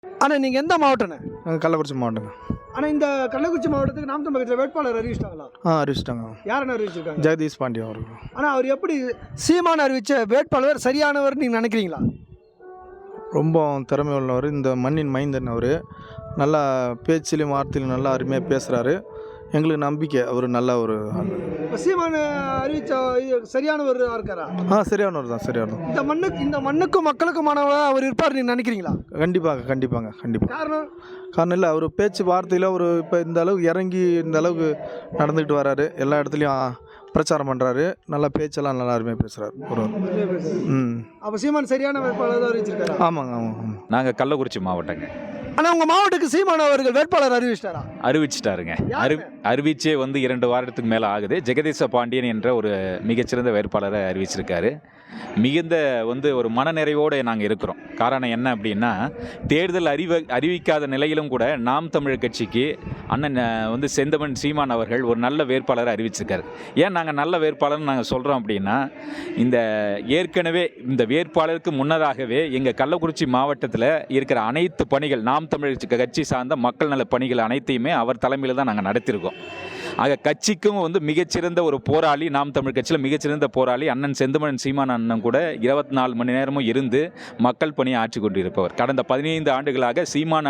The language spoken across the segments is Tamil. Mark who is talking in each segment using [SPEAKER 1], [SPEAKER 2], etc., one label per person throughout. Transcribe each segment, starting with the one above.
[SPEAKER 1] ஆனால் நீங்கள் எந்த மாவட்டண்ணே?
[SPEAKER 2] கள்ளக்குறிச்சி மாவட்டங்க.
[SPEAKER 1] ஆனால் இந்த கள்ளக்குறிச்சி மாவட்டத்துக்கு நாம் தமிழ் கட்சியில் வேட்பாளர் அறிவிச்சிட்டாங்களா?
[SPEAKER 2] அறிவிச்சிட்டாங்க.
[SPEAKER 1] யாருன்னு அறிவிச்சிருக்காங்க?
[SPEAKER 2] ஜெகதீஷ் பாண்டியன் அவர்கள்.
[SPEAKER 1] ஆனால் அவர் எப்படி சீமான் அறிவித்த வேட்பாளர் சரியானவர் நீங்கள் நினைக்கிறீங்களா?
[SPEAKER 2] ரொம்ப திறமை உள்ளவர், இந்த மண்ணின் மைந்தன் அவர். நல்லா பேச்சிலையும் வார்த்தையிலும் நல்லா அருமையாக பேசுகிறாரு. எங்களுக்கு நம்பிக்கை அவர் நல்ல ஒரு ஆள்.
[SPEAKER 1] இப்போ சீமான் அறிவித்த சரியானவர் இருக்காரா?
[SPEAKER 2] சரியானவர் தான், சரியானவர்.
[SPEAKER 1] இந்த மண்ணுக்கும் மக்களுக்குமானவராக அவர் இருப்பார் நீங்கள் நினைக்கிறீங்களா?
[SPEAKER 2] கண்டிப்பாங்க.
[SPEAKER 1] காரணம்
[SPEAKER 2] இல்லை, அவர் பேச்சு வார்த்தையில் அவர் இப்போ இந்த அளவுக்கு இறங்கி இந்த அளவுக்கு நடந்துக்கிட்டு வராரு. எல்லா இடத்துலையும் பிரச்சாரம் பண்ணுறாரு. நல்லா பேச்செல்லாம் நல்லா அருமையாக பேசுகிறார் ஒருவர்.
[SPEAKER 1] அப்போ சீமான் சரியான வேட்பாளர் தான் அறிவிச்சிருக்காரு.
[SPEAKER 2] ஆமாங்க.
[SPEAKER 3] நாங்கள் கள்ளக்குறிச்சி மாவட்டங்க.
[SPEAKER 1] ஆனால் உங்கள் மாவட்டத்துக்கு சீமான் அவர்கள் வேட்பாளர் அறிவிச்சிட்டாரா?
[SPEAKER 3] அறிவிச்சிட்டாருங்க. அறிவிச்சே 2 வாரத்துக்கு மேலே ஆகுது. ஜெகதீச பாண்டியன் என்ற ஒரு மிகச்சிறந்த வேட்பாளரை அறிவிச்சிருக்காரு. மிகுந்த ஒரு மனநிறைவோடு நாங்கள் இருக்கிறோம். காரணம் என்ன அப்படின்னா, தேர்தல் அறிவிக்காத நிலையிலும் கூட நாம் தமிழர் கட்சிக்கு அண்ணன் செந்தமன் சீமான் அவர்கள் ஒரு நல்ல வேட்பாளரை அறிவிச்சிருக்காரு. ஏன் நாங்கள் நல்ல வேட்பாளர்னு நாங்கள் சொல்கிறோம் அப்படின்னா, ஏற்கனவே இந்த வேட்பாளருக்கு முன்னதாகவே எங்கள் கள்ளக்குறிச்சி மாவட்டத்தில் இருக்கிற அனைத்து பணிகள், நாம் தமிழர் கட்சி சார்ந்த மக்கள் நல பணிகள் அனைத்தையுமே அவர் தலைமையில் தான் நாங்கள் நடத்தியிருக்கோம். ஆக கட்சிக்கும் மிகச்சிறந்த ஒரு போராளி, நாம் தமிழ் கட்சியில் மிகச்சிறந்த போராளி அண்ணன் செந்தமன் சீமான் அண்ணன் கூட 24 மணி நேரமும் இருந்து மக்கள் பணியை ஆற்றி கொண்டிருப்பவர். கடந்த 15 ஆண்டுகளாக சீமான்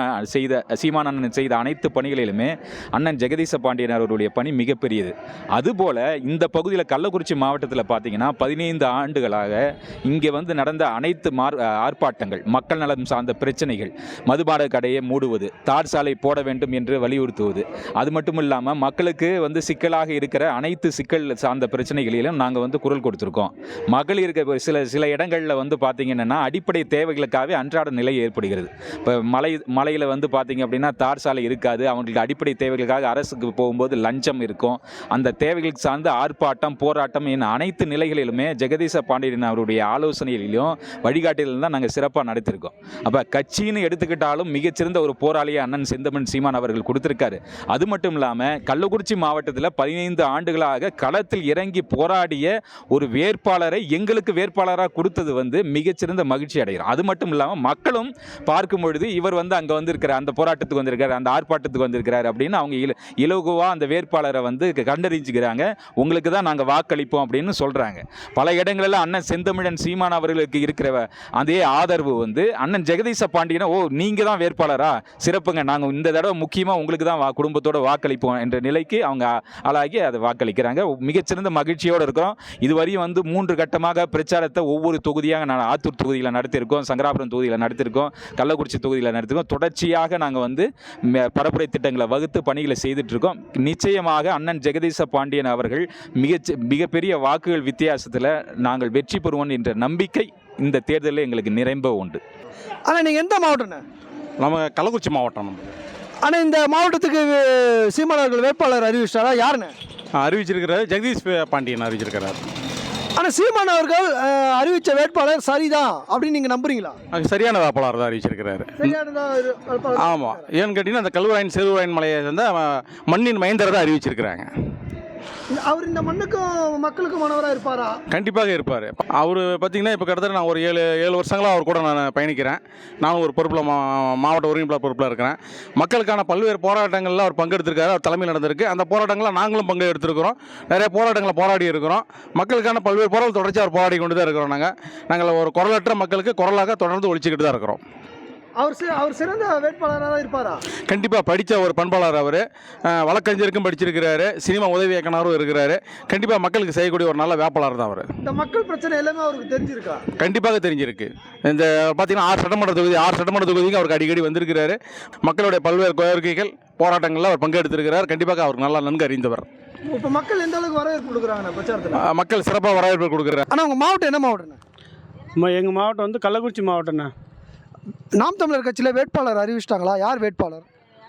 [SPEAKER 3] அண்ணன் செய்த அனைத்து பணிகளிலுமே அண்ணன் ஜெகதீச பாண்டியன் அவருடைய பணி மிகப்பெரியது. அதுபோல் இந்த பகுதியில் கள்ளக்குறிச்சி மாவட்டத்தில் பார்த்தீங்கன்னா 15 ஆண்டுகளாக இங்கே நடந்த அனைத்து ஆர்ப்பாட்டங்கள், மக்கள் நலம் சார்ந்த பிரச்சனைகள், மதுபான கடையை மூடுவது, தார் சாலை போட வேண்டும் என்று வலியுறுத்துவது, அது மட்டும் இல்லாமல் மக்களுக்கு சிக்கலாக இருக்கிற அனைத்து சிக்கல் சார்ந்த பிரச்சனைகளிலும் நாங்கள் குரல் கொடுத்துருக்கோம். மகளிருக்கு சில இடங்களில் பார்த்தீங்கன்னா அடிப்படை தேவைகளுக்காகவே அன்றாட நிலை ஏற்படுகிறது. இப்போ மலையில் பார்த்தீங்க அப்படின்னா தார் சாலை இருக்காது. அவங்களுக்கு அடிப்படை தேவைகளுக்காக அரசுக்கு போகும்போது லஞ்சம் இருக்கும். அந்த தேவைகளுக்கு சார்ந்த ஆர்ப்பாட்டம், போராட்டம் என அனைத்து நிலைகளிலுமே ஜெகதீச பாண்டியன் அவருடைய ஆலோசனைகளிலும் வழிகாட்டிலும் தான் நாங்கள் சிறப்பாக நடத்திருக்கோம். அப்போ கட்சின்னு எடுத்துக்கிட்டாலும் மிகச்சிறந்த ஒரு போராளியை அண்ணன் செந்தமன் சீமான் அவர்கள் கொடுத்துருக்காரு. அது மட்டும் இல்லாமல் கள்ளக்குறிச்சி மாவட்டத்தில் 15 ஆண்டுகளாக களத்தில் இறங்கி போராடிய ஒரு வேட்பாளரை எங்களுக்கு வேட்பாளராக கொடுத்தது மிகச்சிறந்த மகிழ்ச்சி அடைகிறோம். அது மட்டும் இல்லாமல் மக்களும் பார்க்கும் பொழுது இவர் அங்கே வந்திருக்கிறார், அந்த போராட்டத்துக்கு வந்திருக்கார், அந்த ஆர்ப்பாட்டத்துக்கு வந்திருக்கிறார் அப்படின்னு அவங்க இலகுவாக அந்த வேட்பாளரை கண்டறிஞ்சுக்கிறாங்க. உங்களுக்கு தான் நாங்கள் வாக்களிப்போம் அப்படின்னு சொல்கிறாங்க. பல இடங்களில் அண்ணன் செந்தமிழன் சீமான் அவர்களுக்கு இருக்கிற அதே ஆதரவு அண்ணன் ஜெகதீச பாண்டியனை நீங்கள் தான் வேட்பாளரா, சிறப்புங்க, நாங்கள் இந்த தடவை முக்கியமாக உங்களுக்கு தான் குடும்பத்தோடு வாக்களிப்போம் என்ற நிலைக்கு அவங்க ஆளாகி அதை வாக்களிக்கிறாங்க. மிகச்சிறந்த மகிழ்ச்சியோடு இருக்கிறோம். இதுவரையும் 3 கட்டமாக பிரச்சாரத்தை ஒவ்வொரு தொகுதியாக ஆத்தூர் தொகுதியில் நடத்தியிருக்கோம், சங்கராபுரம் தொகுதியில் நடத்தியிருக்கோம், கள்ளக்குறிச்சி தொகுதியில் நடத்திருக்கோம். தொடர்ச்சியாக நாங்கள் பரப்புரை திட்டங்களை வகுத்து பணிகளை செய்துட்டு இருக்கோம். நிச்சயமாக அண்ணன் ஜெகதீச பாண்டியன் அவர்கள் மிகப்பெரிய வாக்குகள் வித்தியாசத்தில் நாங்கள் வெற்றி பெறுவோம் என்ற நம்பிக்கை இந்த தேர்தலில் எங்களுக்கு நிறைம்ப உண்டு.
[SPEAKER 1] ஆனால் நீங்கள் எந்த மாவட்டம்?
[SPEAKER 4] நம்ம கள்ளக்குறிச்சி மாவட்டம்.
[SPEAKER 1] ஆனால் இந்த மாவட்டத்துக்கு சீமான் அவர்கள் வேட்பாளர் அறிவிச்சிட்டாரா? யாருன்னு
[SPEAKER 4] அறிவிச்சிருக்கிறார்? ஜெகதீஷ் பாண்டியன் அறிவிச்சிருக்கிறார்.
[SPEAKER 1] ஆனால் சீமான் அவர்கள் அறிவித்த வேட்பாளர் சரிதான் அப்படின்னு நீங்கள் நம்புறீங்களா?
[SPEAKER 4] சரியான வேட்பாளர் தான் அறிவிச்சிருக்கிறாரு. ஆமாம். ஏன்னு கேட்டிங்கன்னா அந்த கல்வராயன் செருவராயன் மலையை சேர்ந்த மண்ணின் மைந்தரை தான் அறிவிச்சிருக்கிறாங்க.
[SPEAKER 1] அவர் இந்த மண்ணுக்கும் மக்களுக்கும் மாணவராக இருப்பாரா?
[SPEAKER 4] கண்டிப்பாக இருப்பார். அவர் பார்த்தீங்கன்னா இப்போ கிட்டத்தட்ட நான் ஒரு 7 வருஷங்களாக அவர் கூட நான் பயணிக்கிறேன். நானும் ஒரு பொறுப்பில் மாவட்ட ஒருங்கிணைப்பாளர் பொறுப்பில் இருக்கிறேன். மக்களுக்கான பல்வேறு போராட்டங்களில் அவர் பங்கெடுத்திருக்காரு. அவர் தலைமையில் நடந்திருக்கு. அந்த போராட்டங்களில் நாங்களும் பங்கு எடுத்திருக்கிறோம். நிறைய போராட்டங்களை போராடி இருக்கிறோம். மக்களுக்கான பல்வேறு போராட்டம் தொடர்ச்சி அவர் போராடி கொண்டு தான் இருக்கிறோம். நாங்கள் ஒரு குரலற்ற மக்களுக்கு குரலாக தொடர்ந்து ஒழிச்சிக்கிட்டு தான் இருக்கிறோம்.
[SPEAKER 1] அவர் சிறந்த வேட்பாளராக இருப்பாரா?
[SPEAKER 4] கண்டிப்பாக. படித்த ஒரு பண்பாளர் அவர். வழக்கறிஞருக்கும் படிச்சிருக்கிறாரு, சினிமா உதவி இயக்குனரும் இருக்கிறாரு. கண்டிப்பாக மக்களுக்கு செய்யக்கூடிய ஒரு நல்ல வேட்பாளர் தான் அவர்.
[SPEAKER 1] இந்த மக்கள் பிரச்சனை எல்லாமே அவருக்கு தெரிஞ்சிருக்கா?
[SPEAKER 4] கண்டிப்பாக தெரிஞ்சிருக்கு. இந்த பார்த்தீங்கன்னா 6 சட்டமன்ற தொகுதிக்கு அவருக்கு அடிக்கடி வந்திருக்கிறாரு. மக்களுடைய பல்வேறு கோரிக்கைகள், போராட்டங்களில் அவர் பங்கெடுத்திருக்கிறார். கண்டிப்பாக அவருக்கு நல்லா நன்கு அறிந்தவர்.
[SPEAKER 1] இப்போ மக்கள் எந்த அளவுக்கு வரவேற்பு கொடுக்குறாங்க பிரச்சாரத்தில்?
[SPEAKER 4] மக்கள் சிறப்பாக வரவேற்பு கொடுக்குறாரு.
[SPEAKER 1] ஆனால் உங்கள் மாவட்டம் என்ன மாவட்டம்ண்ணா?
[SPEAKER 5] எங்கள் மாவட்டம் கள்ளக்குறிச்சி மாவட்டம்ண்ணா.
[SPEAKER 1] நாம் தமிழர் கட்சியில் வேட்பாளர் அறிவிச்சிட்டாங்களா? யார் வேட்பாளர்?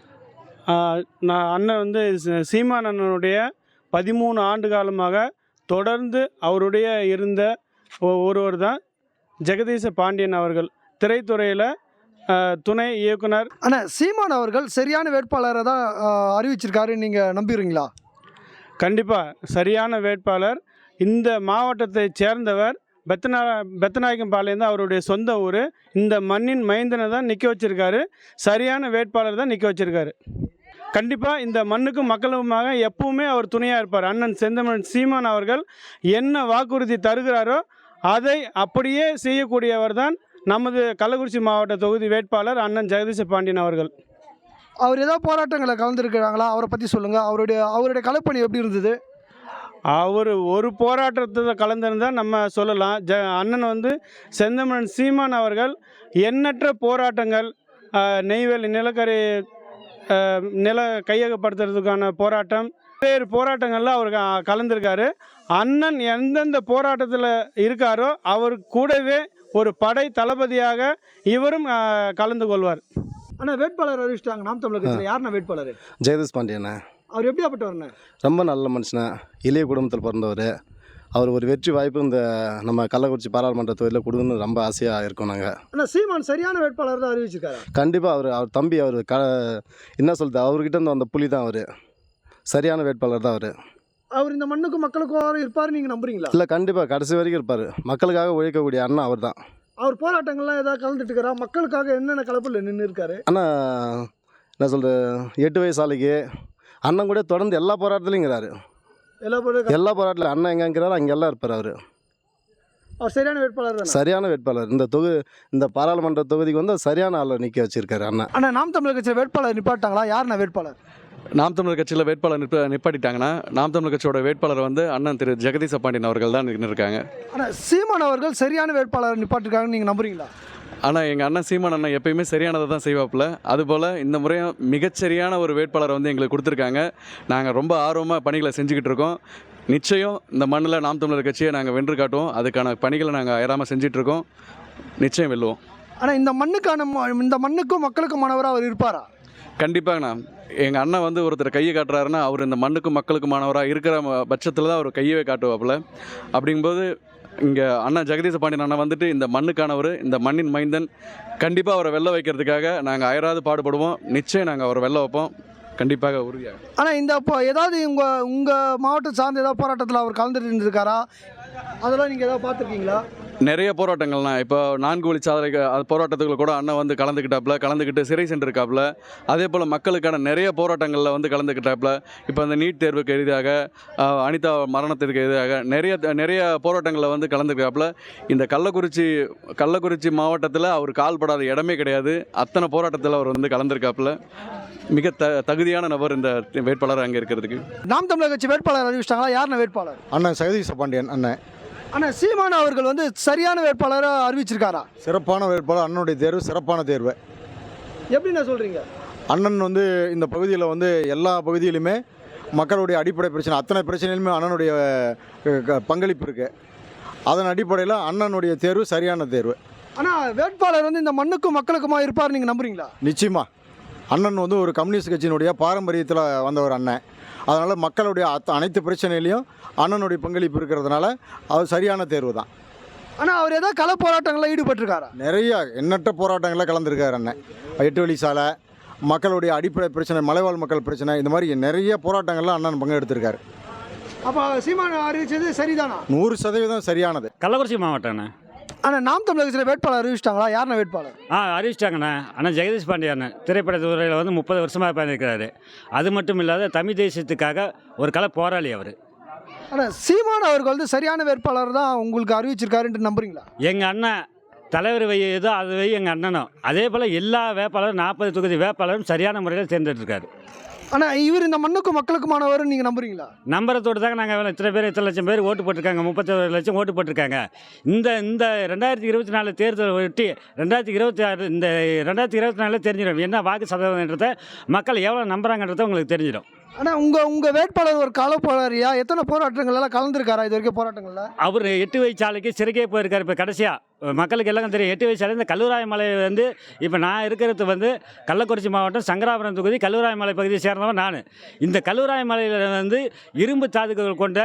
[SPEAKER 5] நான் அண்ணன் சீமான் அண்ணனுடைய 13 ஆண்டு காலமாக தொடர்ந்து அவருடைய இருந்த ஒருவர் தான் ஜெகதீச பாண்டியன் அவர்கள். திரைத்துறையில் துணை இயக்குனர்.
[SPEAKER 1] ஆனால் சீமான் அவர்கள் சரியான வேட்பாளரை தான் அறிவிச்சிருக்காரு, நீங்கள் நம்புறீங்களா?
[SPEAKER 5] கண்டிப்பாக சரியான வேட்பாளர். இந்த மாவட்டத்தை சேர்ந்தவர், பெத்தநாயக்கம்பாளையம் தான் அவருடைய சொந்த ஊர். இந்த மண்ணின் மைந்தனை தான் நிற்க வச்சிருக்காரு. சரியான வேட்பாளர் தான் நிற்க வச்சிருக்காரு. கண்டிப்பாக இந்த மண்ணுக்கும் மக்களுமாக எப்பவுமே அவர் துணையாக இருப்பார். அண்ணன் செந்தமிழன் சீமான் அவர்கள் என்ன வாக்குறுதி தருகிறாரோ அதை அப்படியே செய்யக்கூடியவர் தான் நமது கள்ளக்குறிச்சி மாவட்ட தொகுதி வேட்பாளர் அண்ணன் ஜெகதீச பாண்டியன் அவர்கள்.
[SPEAKER 1] அவர் ஏதாவது போராட்டங்களை கலந்துருக்கிறாங்களா? அவரை பற்றி சொல்லுங்கள். அவருடைய கலைப்பணி எப்படி இருந்தது?
[SPEAKER 5] அவர் ஒரு போராட்டத்தை கலந்துருந்தால் நம்ம சொல்லலாம். அண்ணன் வந்து செந்தமிழன் சீமான் அவர்கள் எண்ணற்ற போராட்டங்கள், நெய்வேலி நிலக்கரி நில கையகப்படுத்துறதுக்கான போராட்டம், வேறு போராட்டங்களில் அவர் கலந்துருக்காரு. அண்ணன் எந்தெந்த போராட்டத்தில் இருக்காரோ அவர் கூடவே ஒரு படை தளபதியாக இவரும் கலந்து கொள்வார்.
[SPEAKER 1] ஆனால் வேட்பாளர் அறிவிச்சிட்டாங்க நாம் தமிழர் கட்சியில். யாருண்ணா வேட்பாளர்?
[SPEAKER 6] ஜெகதீஷ் பாண்டியண்ணே.
[SPEAKER 1] அவர் எப்படியாப்பட்டவர்ண்ணே?
[SPEAKER 6] ரொம்ப நல்ல மனுஷனே, எளிய குடும்பத்தில் பிறந்தவர். அவர் ஒரு வெற்றி வாய்ப்பு இந்த நம்ம கள்ளக்குறிச்சி பாராளுமன்ற தொகுதியில் கொடுக்கணும்னு ரொம்ப ஆசையாக இருக்கோம் நாங்கள்.
[SPEAKER 1] ஆனால் சீமான் சரியான வேட்பாளர் தான் அறிவிச்சிருக்காரு.
[SPEAKER 6] கண்டிப்பாக அவர் தம்பி என்ன சொல்கிறது, அவர்கிட்ட இருந்து அந்த புலி தான் அவர். சரியான வேட்பாளர் தான் அவர்.
[SPEAKER 1] அவர் இந்த மண்ணுக்கும் மக்களுக்கும் இருப்பார் நீங்கள் நம்புறீங்களா?
[SPEAKER 6] இல்லை, கண்டிப்பாக கடைசி வரைக்கும் இருப்பார். மக்களுக்காக உழைக்கக்கூடிய அண்ணன் அவர் தான்.
[SPEAKER 1] அவர் போராட்டங்கள்லாம் ஏதாவது கலந்துட்டு இருக்கிறா? மக்களுக்காக என்னென்ன கலப்பில் நின்று இருக்காரு?
[SPEAKER 6] ஆனால் என்ன சொல்கிறது, 8 வயசு ஆளுக்கு அண்ணன் கூட தொடர்ந்து எல்லா போராட்டத்துலையுங்கிறாரு. எல்லா போராட்டத்தில் அண்ணன் எங்கேங்கிறாரு அங்கெல்லாம் இருப்பார் அவர்.
[SPEAKER 1] அவர் சரியான வேட்பாளர் தான்.
[SPEAKER 6] சரியான வேட்பாளர். இந்த பாராளுமன்ற தொகுதிக்கு வந்து சரியான ஆளை நிற்க வச்சிருக்காரு அண்ணன்.
[SPEAKER 1] ஆனால் நாம் தமிழர் கட்சியில் வேட்பாளர் நிப்பாட்டாங்களா? யாருண்ணா வேட்பாளர்?
[SPEAKER 7] நாம் தமிழர் கட்சியில் வேட்பாளர் நிப்பாட்டிட்டாங்கன்னா நாம் தமிழர் கட்சியோட வேட்பாளர் வந்து அண்ணன் திரு ஜெகதீச பாண்டியன் அவர்கள் தான் இருக்காங்க.
[SPEAKER 1] ஆனால் சீமான் அவர்கள் சரியான வேட்பாளர் நிப்பாட்டிருக்காங்கன்னு நீங்கள் நம்புறீங்களா?
[SPEAKER 7] ஆனால் எங்கள் அண்ணன் சீமான் அண்ணன் எப்பயுமே சரியானதை தான் செய்வாப்பில். அதுபோல் இந்த முறையும் மிகச்சரியான ஒரு வேட்பாளரை வந்து எங்களுக்கு கொடுத்துருக்காங்க. நாங்கள் ரொம்ப ஆர்வமாக பணிகளை செஞ்சுக்கிட்டு இருக்கோம். நிச்சயம் இந்த மண்ணில் நாம் தமிழர் கட்சியை நாங்கள் வென்று காட்டுவோம். அதுக்கான பணிகளை நாங்கள் அயராமல் செஞ்சிட்ருக்கோம். நிச்சயம் வெல்லுவோம்.
[SPEAKER 1] ஆனால் இந்த மண்ணுக்கும் மக்களுக்குமானவராக அவர் இருப்பாரா?
[SPEAKER 7] கண்டிப்பாங்கண்ணா. எங்கள் அண்ணன் வந்து ஒருத்தர் கையை காட்டுறாருன்னா அவர் இந்த மண்ணுக்கும் மக்களுக்குமானவராக இருக்கிற பட்சத்தில் தான் அவர் கையவே காட்டுவாப்பில். அப்படிங்கும்போது இங்கே அண்ணன் ஜெகதீச பாண்டியன் அண்ணன் வந்துட்டு இந்த மண்ணுக்கானவர், இந்த மண்ணின் மைந்தன். கண்டிப்பாக அவரை வெல்ல வைக்கிறதுக்காக நாங்கள் அயராது பாடுபடுவோம். நிச்சயம் நாங்கள் அவரை வெல்ல வைப்போம். கண்டிப்பாக உறுதியாக.
[SPEAKER 1] ஆனால் இப்போ ஏதாவது உங்கள் மாவட்டம் சார்ந்த ஏதாவது போராட்டத்தில் அவர் கலந்துட்டு இருந்திருக்காரா? அதெல்லாம் நீங்கள் ஏதாவது பார்த்துருக்கீங்களா?
[SPEAKER 7] நிறைய போராட்டங்கள்லாம் இப்போ 4 வழிச்சாலை போராட்டத்துக்குள்ள கூட அண்ணன் வந்து கலந்துக்கிட்டு சிறை சென்றிருக்காப்புல. அதே போல் மக்களுக்கான நிறைய போராட்டங்களில் வந்து கலந்துக்கிட்டாப்புல. இப்போ அந்த நீட் தேர்வுக்கு எதிராக, அனிதா மரணத்திற்கு எதிராக நிறைய போராட்டங்களில் வந்து கலந்துக்கிட்டாப்புல. இந்த கள்ளக்குறிச்சி மாவட்டத்தில் அவர் கால்படாத இடமே கிடையாது. அத்தனை போராட்டத்தில் அவர் வந்து கலந்துருக்காப்புல. மிக தகுதியான நபர் இந்த வேட்பாளர் அங்கே இருக்கிறதுக்கு.
[SPEAKER 1] நாம் தமிழர் கட்சி வேட்பாளர் அறிவிச்சிட்டாங்களா? யாருண்ணா வேட்பாளர்?
[SPEAKER 2] அண்ணன் ஜெகதீஷ பாண்டியன் அண்ணன்.
[SPEAKER 1] ஆனால் சீமான் அவர்கள் வந்து சரியான வேட்பாளராக அறிவிச்சிருக்காரா?
[SPEAKER 2] சிறப்பான வேட்பாளர். அண்ணனுடைய தேர்வு சிறப்பான தேர்வு.
[SPEAKER 1] எப்படிண்ணா சொல்கிறீங்க?
[SPEAKER 2] அண்ணன் வந்து இந்த பகுதியில் வந்து எல்லா பகுதியிலுமே மக்களுடைய அடிப்படை பிரச்சனை, அத்தனை பிரச்சனையிலுமே அண்ணனுடைய பங்களிப்பு இருக்குது. அதன் அடிப்படையில் அண்ணனுடைய தேர்வு சரியான தேர்வு.
[SPEAKER 1] ஆனால் வேட்பாளர் வந்து இந்த மண்ணுக்கும் மக்களுக்குமா இருப்பார் நீங்கள் நம்புறீங்களா?
[SPEAKER 2] நிச்சயமாக. அண்ணன் வந்து ஒரு கம்யூனிஸ்ட் கட்சியினுடைய பாரம்பரியத்தில் வந்தவர் அண்ணன். அதனால் மக்களுடைய அனைத்து பிரச்சனையிலையும் அண்ணனுடைய பங்களிப்பு இருக்கிறதுனால அவர் சரியான தேர்வு தான்.
[SPEAKER 1] ஆனால் அவர் ஏதாவது கள போராட்டங்களில் ஈடுபட்டிருக்காரா?
[SPEAKER 2] நிறைய எண்ணற்ற போராட்டங்களில் கலந்துருக்கார் அண்ணன். 8 வழி சாலை, மக்களுடைய அடிப்படை பிரச்சனை, மலைவாழ் மக்கள் பிரச்சனை, இந்த மாதிரி நிறைய போராட்டங்களில் அண்ணன் பங்கெடுத்திருக்காரு.
[SPEAKER 1] அப்போ சீமான் அறிவிச்சது சரிதானா?
[SPEAKER 2] 100% சரியானது.
[SPEAKER 8] கள்ளக்குறிச்சி மாவட்டம்ண்ணே.
[SPEAKER 1] ஆனால் நாம் தமிழர் கட்சியில் வேட்பாளர் அறிவிச்சிட்டாங்களா? யாருண்ணா வேட்பாளர்?
[SPEAKER 8] அறிவிச்சிட்டாங்கண்ணே. ஆனால் ஜெகதீஷ் பாண்டியன் திரைப்பட துறையில் வந்து 30 வருஷமாக பண்ணியிருக்கிறாரு. அது மட்டும் இல்லாத தமிழ் தேசியத்துக்காக ஒரு கள போராளி அவர்.
[SPEAKER 1] ஆனால் சீமான் அவர்கள் வந்து சரியான வேட்பாளர் தான் உங்களுக்கு அறிவிச்சிருக்காருன்ட்டு நம்புறீங்களா?
[SPEAKER 8] எங்கள் அண்ணன் தலைவர் ஏதோ அது எங்கள் அண்ணனும் அதே போல் எல்லா வேட்பாளரும் 40 தொகுதி வேட்பாளரும் சரியான முறையில் தேர்ந்தெடுத்திருக்காரு.
[SPEAKER 1] ஆனால் இவர் இந்த மண்ணுக்கும் மக்களுக்குமானவர் நீங்கள் நம்புறீங்களா?
[SPEAKER 8] நம்பரத்தோடு தாங்க நாங்கள் இத்தனை லட்சம் பேர் ஓட்டு போட்டிருக்காங்க. 31 லட்சம் ஓட்டு போட்டிருக்காங்க. இந்த 2024 தேர்தலை ஒட்டி 2026 இந்த 2024 தெரிஞ்சிடும் என்ன வாக்கு சதவீதன்றதை மக்கள் எவ்வளோ நம்புறாங்கன்றதை உங்களுக்கு தெரிஞ்சிடும்.
[SPEAKER 1] ஆனால் உங்கள் வேட்பாளர் ஒரு கள போராளியா? எத்தனை போராட்டங்கள்லாம் கலந்துருக்காரா இது வரைக்கும் போராட்டங்களில்?
[SPEAKER 8] அவர் 8 வழிச்சாலைக்கு சிறைக்கே போயிருக்காரு. இப்போ கடைசியாக மக்களுக்கு எல்லாம் தெரியும் 8 வழிச்சாலை இந்த கல்லூராயமலை வந்து இப்போ நான் இருக்கிறது வந்து கள்ளக்குறிச்சி மாவட்டம் சங்கராபுரம் தொகுதி கல்லூராயமலை பகுதியை சேர்ந்தவன் நான். இந்த கல்லூராயமலையில் வந்து இரும்பு தாதுக்கள் கொண்ட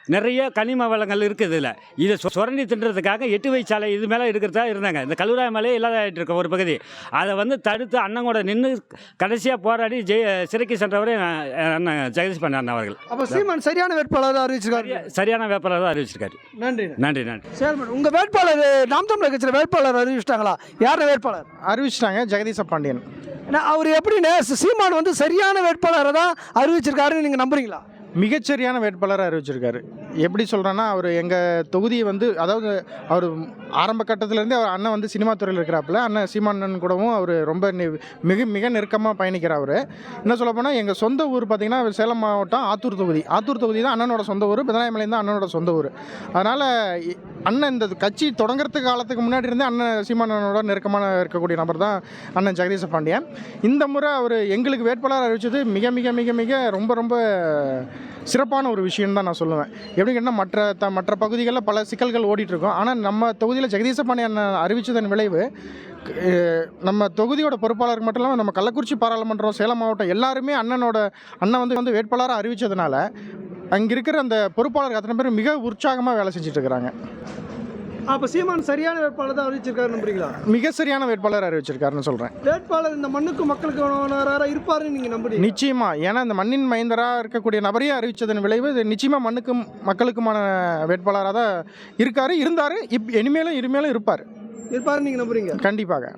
[SPEAKER 8] நிறைய கனிம வளங்கள் இருக்குது இதில். இதை சுரண்டி தின்றதுக்காக 8 வழி சாலை இது மேலே இருக்கிறதா இருந்தாங்க. இந்த கல்லூராய் மலையே இல்லாதாகிட்டு இருக்க ஒரு பகுதி. அதை வந்து தடுத்து அண்ணன் கூட நின்று கடைசியாக போராடி சிறைக்கு சென்றவரே அண்ணன் ஜெகதீஷ் பாண்டியன் அண்ணன் அவர்கள்.
[SPEAKER 1] அப்போ சீமான் சரியான வேட்பாளராக அறிவிச்சிருக்காரு.
[SPEAKER 8] சரியான வேட்பாளர் தான் அறிவிச்சிருக்காரு.
[SPEAKER 1] நன்றி.
[SPEAKER 8] நன்றி நன்றி.
[SPEAKER 1] சேர்மன், உங்கள் வேட்பாளர் நாம் தமிழர் கட்சியில் வேட்பாளர் அறிவிச்சிட்டாங்களா? யார் வேட்பாளர்?
[SPEAKER 2] அறிவிச்சிட்டாங்க, ஜெகதீச பாண்டியன்.
[SPEAKER 1] அவர் எப்படின்னு சீமான் வந்து சரியான வேட்பாளரை தான் அறிவிச்சிருக்காருன்னு நீங்கள் நம்புறீங்களா?
[SPEAKER 2] மிகச்சரியான வேட்பாளராக அறிவிச்சிருக்காரு. எப்படி சொல்கிறேன்னா, அவர் எங்கள் தொகுதியை வந்து, அதாவது அவர் ஆரம்ப கட்டத்திலேருந்தே அவர் அண்ணன் வந்து சினிமா துறையில் இருக்கிறாப்புல. அண்ணன் சீமானன் கூடவும் அவர் ரொம்ப மிக நெருக்கமாக பயணிக்கிறார். அவர் என்ன சொல்ல போனால், எங்கள் சொந்த ஊர் பார்த்திங்கன்னா சேலம் மாவட்டம் ஆத்தூர் தொகுதி. ஆத்தூர் தொகுதி தான் அண்ணனோட சொந்த ஊர். பிதனாயமலையும் தான் அண்ணனோட சொந்த ஊர். அதனால் அண்ணன் இந்த கட்சி தொடங்குறதுக்கு காலத்துக்கு முன்னாடி இருந்தே அண்ணன் சீமானனோட நெருக்கமான இருக்கக்கூடிய நபர் தான் அண்ணன் ஜெகதீச பாண்டியன். இந்த முறை அவர் எங்களுக்கு வேட்பாளர் அறிவித்தது மிக மிக மிக மிக ரொம்ப சிறப்பான ஒரு விஷயம் தான் நான் சொல்லுவேன். எப்படி கேட்டால் மற்ற பகுதிகளில் பல சிக்கல்கள் ஓடிட்டுருக்கோம். ஆனால் நம்ம தொகுதியில் ஜெகதீச பாண்டியன் அறிவித்ததன் விளைவு நம்ம தொகுதியோட பொறுப்பாளருக்கு மட்டும் இல்லாமல் நம்ம கள்ளக்குறிச்சி பாராளுமன்றம், சேலம் மாவட்டம் எல்லாருமே அண்ணன் வந்து வேட்பாளராக அறிவித்ததுனால அங்கே இருக்கிற அந்த பொறுப்பாளருக்கு அத்தனை பேர் மிக உற்சாகமாக வேலை செஞ்சுட்டு இருக்கிறாங்க.
[SPEAKER 1] அப்போ சீமான் சரியான வேட்பாளர் தான் அறிவிச்சிருக்காரு நம்புறீங்களா?
[SPEAKER 2] மிக சரியான வேட்பாளர் அறிவிச்சிருக்காருன்னு சொல்கிறேன்.
[SPEAKER 1] வேட்பாளர் இந்த மண்ணுக்கு மக்களுக்கு இருப்பாருன்னு நீங்கள் நம்புறீங்க?
[SPEAKER 2] நிச்சயமாக. ஏன்னா இந்த மண்ணின் மைந்தராக இருக்கக்கூடிய நபரையே அறிவித்ததன் விளைவு இது நிச்சயமாக மண்ணுக்கும் மக்களுக்குமான வேட்பாளராக தான் இருந்தார். இனிமேலும் இருப்பார்
[SPEAKER 1] நீங்கள் நம்புறீங்க?
[SPEAKER 2] கண்டிப்பாக.